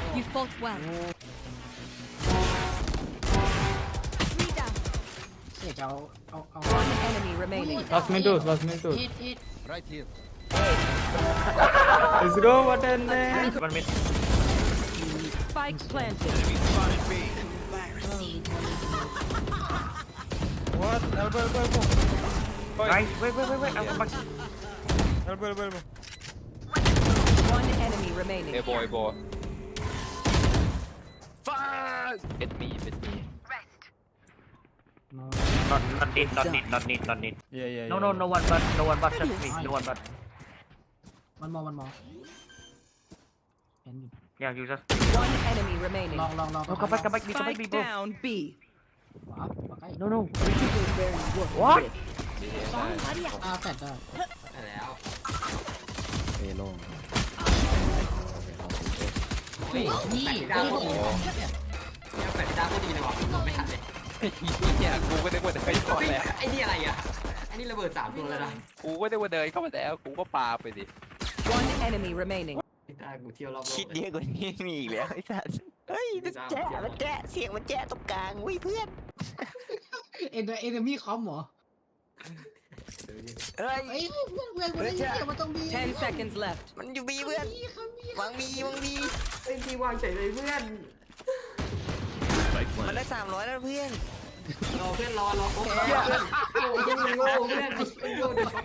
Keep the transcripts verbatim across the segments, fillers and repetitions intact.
You fought well. Three down. เดี๋ยวจะเอาเอาเอา One enemy remaining. Last minute two, last minute two. ฮิตฮิต Right here. Let's go, what and then. One minute. Spike planted. Enemy spotted B. What? Elbow, elbow, elbow. Nice. Wait, wait, wait, wait. I'm back. Elbow, elbow, elbow. One enemy remaining. Hey boy, boy. Fuck! Hit me, hit me. no Not not need, not need, not need, not need. Yeah, yeah, No, yeah. no, no one but, no one but just me. No one but. มันมองมันมองเห็นอยู่ Yeah, you just. One enemy remaining. ลองลองลอง No, come back, come back, come back, Spike bro. down B. ขวาขวาใกล้ No, no. What? อ่าแฟดได้เอโล่งนี่นี่โอ้โหแฟนดาก็ดีเลยว่ะไม่ทันเลยเนี่ยกูก็นึกว่าเดินเข้ามาแล้วไอ้นี่อะไรอ่ะไอ้นี่ระเบิดสามตัวแล้วนะกูก็นึกว่าเดินเข้ามาแล้วกูก็ปาไปดิ One enemy remaining. ตากูเที่ยวรอบโลกคิดเยอะกว่านี้มีอีกแล้วไอ้สัสเฮ้ยมันแจ๊ะมันแจ๊ะเสียงมันแจ๊ะตรงกลางเว้ยเพื่อนเอ็นเอ็นมี่คอมเหรอเฮ้ยเอ้ยเพื่อนเพื่อนเพื่อนเพื่อนมันต้องมี Ten seconds left. มันอยู่บีเพื่อนมีครับมีวางบีวางบีไอ้ที่วางเฉยเลยเพื่อน Spike มัน planted. ได้สามร้อยแล้วเพื่อนรอเพื่อนรอรอโอ้ยโอ้ยยังโง่เพื่อนไอ้โง่เด็ก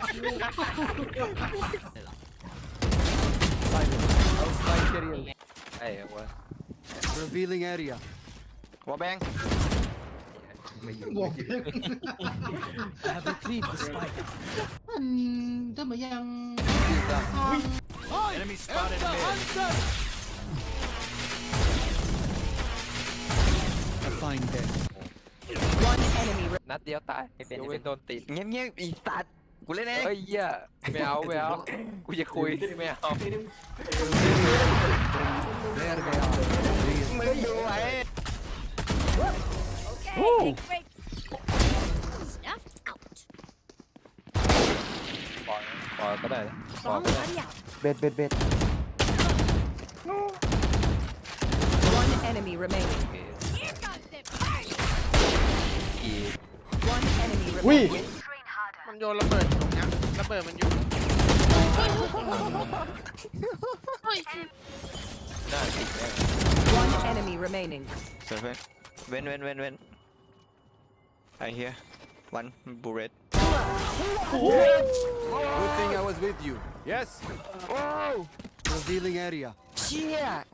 Outside area. ไอ้วะ Revealing area. หัวแบงบวก I have retrieved the spike. มันถ้ามันยัง Enemy spotted mid. I find them. One enemy. Re- นัดเดียวตายยกเว้นโดนติดเงียบเงียบอีสัตว์กูเล่นเองเฮ้ยเหี้ยไม่เอาไม่เอากูจะคุยไม่เอา There they are. มึงดูไว้ okay. Great. ปล่อยปล่อยก็ได้ปล่อยก็ได้ Buddy out. เบ็ดเบ็ดเบ็ด One enemy remaining. อีก One enemy Ui. remaining. มันโยนระเบิดตรงเนี้ยระเบิดมันอยู่น่าติดแน่ One enemy remaining. เสือเพื่อนเว้นเว้นเว้นเว้นไอ้เฮียวันบูเรต Good thing I was with you. Yes. Revealing area. เชี่ย